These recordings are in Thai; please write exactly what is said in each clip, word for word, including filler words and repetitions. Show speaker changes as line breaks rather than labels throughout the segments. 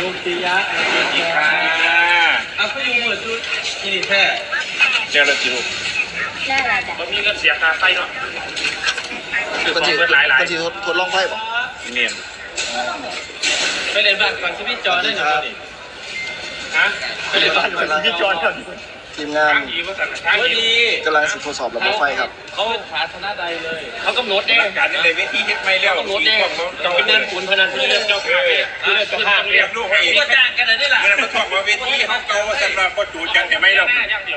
ลูกปิยะนี่ค่ะเอาไปอยู่หมดชุดนี่แท้เจ้าละจิ๋ว
ได้ละจ้ะ
มันมีเงินเสียค่าไฟเนาะ
คนที่คนที่ทดลองไพ่ป่ะ
เนียนไปเรียนบ้านฟังชีวิตจอได้หนึ่งคนนี่ฮะไปเรียนบ้านฟังชีวิตจอได้
ทีมงาน
ดีว่าสั่งทางดี
กำลังทดสอบระบบไฟครับ
เขาขาธนาใดเลยเขากำหนดเองการในเวทีเฮ็ดไม่แล้วกำหนดเองต้องเป็นเดินขุนพนันเพื่อเลือกเจ้าภาพเพื่อเลือกเจ้าภาพเรียบลูกให้เองก็จ้างกันได้ล่ะเวลามาท่องมาเวทีเขาเก่าว่าสำหรับก็จูดกันเห็นไหมเรา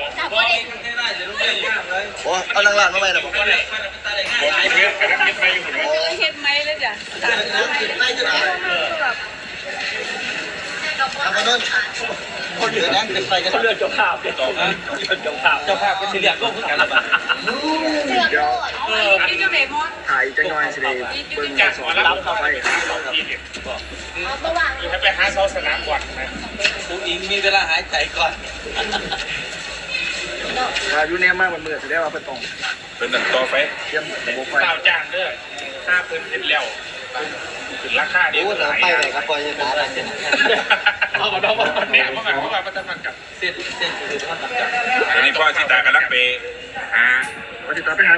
โอ้เอานางลานมาไหมนะผม
บอกเพื่อนกันเฮ็ดไม่อยู่เลย
เฮ็ดไหมเลยจ้ะสั่งแล้วแบบ
ทำไปนู่นคนเหลือนั่งเป็นไฟกัน
เขาเลือกเจ้าภาพเจ้าภาพเจ้าภาพเจ้าภาพก็สิเรียกก็เพิ่งกันละบาท
เลือกโลดเออพี่จะเบมอน
ถ่ายจังหน่อยสิเดเบิ้ง
จาก
ส
ห
อ
มอน รับ
ระบบ
เข้า
ไฟ
ไปหาสองทีเนี่ย
เอาระหว่าง
คือให้ไปหาเสาสนามก่อนนะผู้หญิงมีเวลาหายใจก่อน
ถ้าอยู่เนี่ยมากมันมือแสดงว่าเป็นตรง
เป็นตัดต่อไฟ
เตรียมระบบไฟ
ข้าวจ้างเด้อห้าเพิ่นเห็นแล้วถึงราคาดี
โอ้หนังไปไหนครับพอจะด่าอะไรเนี่ย
เอามาดองมาเนี่ยเพราะว่าเพราะว่ามันจะมันกับเส้นเส้นคือท่านตัดจาก
ตอนนี้พ่อที่ตากำลังไปหา
พอจะตามไปหา